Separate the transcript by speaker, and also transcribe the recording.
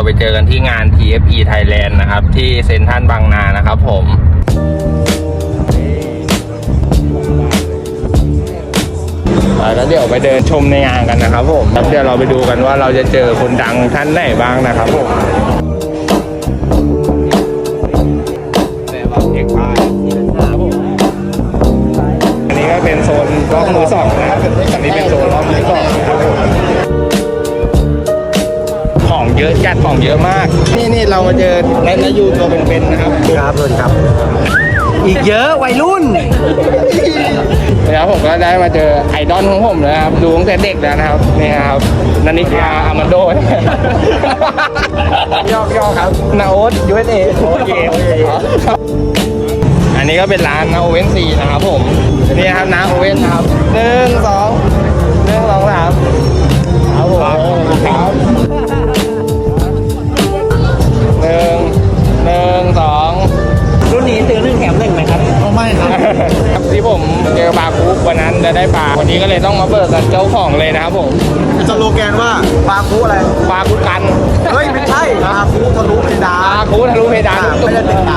Speaker 1: ไปเจอกันที่งาน TFE Thailand นะครับที่เซ็นทรัลบางนานะครับผมแล้วเดี๋ยวไปเดินชมในงานกันนะครับผมแล้วเดี๋ยวเราไปดูกันว่าเราจะเจอคนดังท่านไหนบ้างนะครับผมอันนี้ก็เป็นโซนล็อกมือสองนะครับอันนี้เป็นโซนล็อกมือสองนะครับของเยอะจัดของเยอะมากนี่เรามาเจอในยูตัวเป็นๆนะครับ
Speaker 2: ครับสวัสดีครับอีกเยอะวัยรุ่น
Speaker 1: แล้วผมก็ได้มาเจอไอดอลของผมนะครับดูตั้งแต่เด็กแล้วนะครับนี่ครับนันนิกาอามันโดยอกครับนาโอ๊ต USA โอเคอันนี้ก็เป็นร้านนาโอเว่นซีนะครับผมนี่ครับนาโอเว่นครับ1 2 1 2 3ครับผมครับ1 2
Speaker 2: รุ่นนี้ซื้อ1 แถม 1ไหมครับไม่ครับ
Speaker 1: ที่ผมเจอบาคุกวันนั้นจะได้ปลาวันนี้ก็เลยต้องมาเบิกกับเจ้าของเลยนะครับผม
Speaker 2: สโลแกนว่าปลาคูอะไร
Speaker 1: ปลาคุกกัน
Speaker 2: เฮ้ยไม่ใช่ปลาคูทะลุเพดาน
Speaker 1: ปลาคุทะลุเพดาน
Speaker 2: ไม่ได้ติดต